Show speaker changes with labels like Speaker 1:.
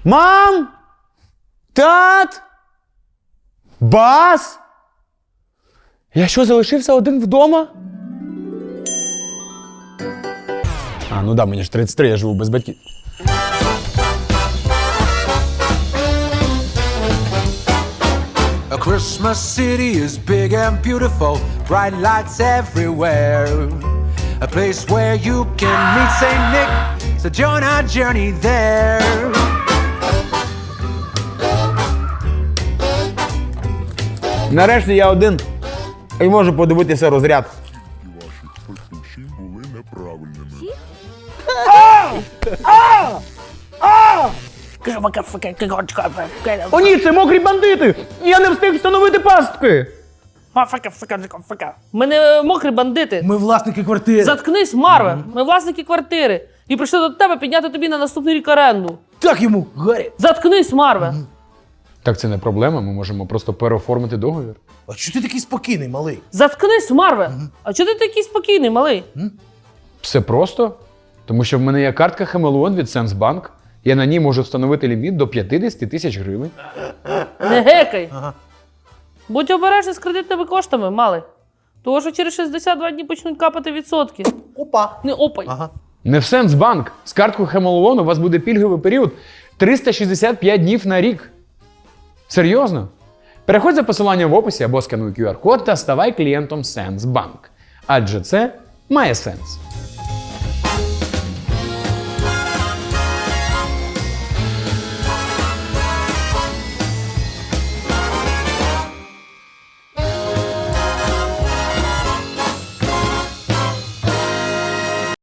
Speaker 1: Мам! Тат! Бас! Я що, залишився один вдома? А, ну да, мені ж 33, я живу без батьків.
Speaker 2: A Christmas city is big and beautiful, bright lights everywhere. A place where you can meet Saint Nick, so join our journey there.
Speaker 1: Нарешті я один і можу подивитися розряд.
Speaker 3: Були неправильними.
Speaker 1: О ні, це мокрі бандити! Я не встиг встановити пастки!
Speaker 4: Ми не мокрі бандити.
Speaker 5: Ми власники квартири.
Speaker 4: Заткнись, Марве. Ми власники квартири. І прийшли до тебе підняти тобі на наступний рік оренду.
Speaker 5: Так йому, Гаррі.
Speaker 4: Заткнись, Марве.
Speaker 1: Так це не проблема, ми можемо просто переоформити договір.
Speaker 5: А чого ти такий спокійний, малий?
Speaker 4: Заткнись, Марве. А чого ти такий спокійний, малий?
Speaker 1: Все просто, тому що в мене є картка Хамелеон від Сенсбанк. Я на ній можу встановити ліміт до 50 тисяч гривень.
Speaker 4: Не гекай. Будь обережний з кредитними коштами, малий. Того, що через 62 дні почнуть капати відсотки.
Speaker 5: Опа.
Speaker 4: Не опай.
Speaker 5: Ага.
Speaker 1: Не в Сенсбанк. З карткою Хамелеон у вас буде пільговий період 365 днів на рік. Серйозно? Переходь за посиланням в описі або скануй QR-код та ставай клієнтом Сенсбанк. Адже це має сенс.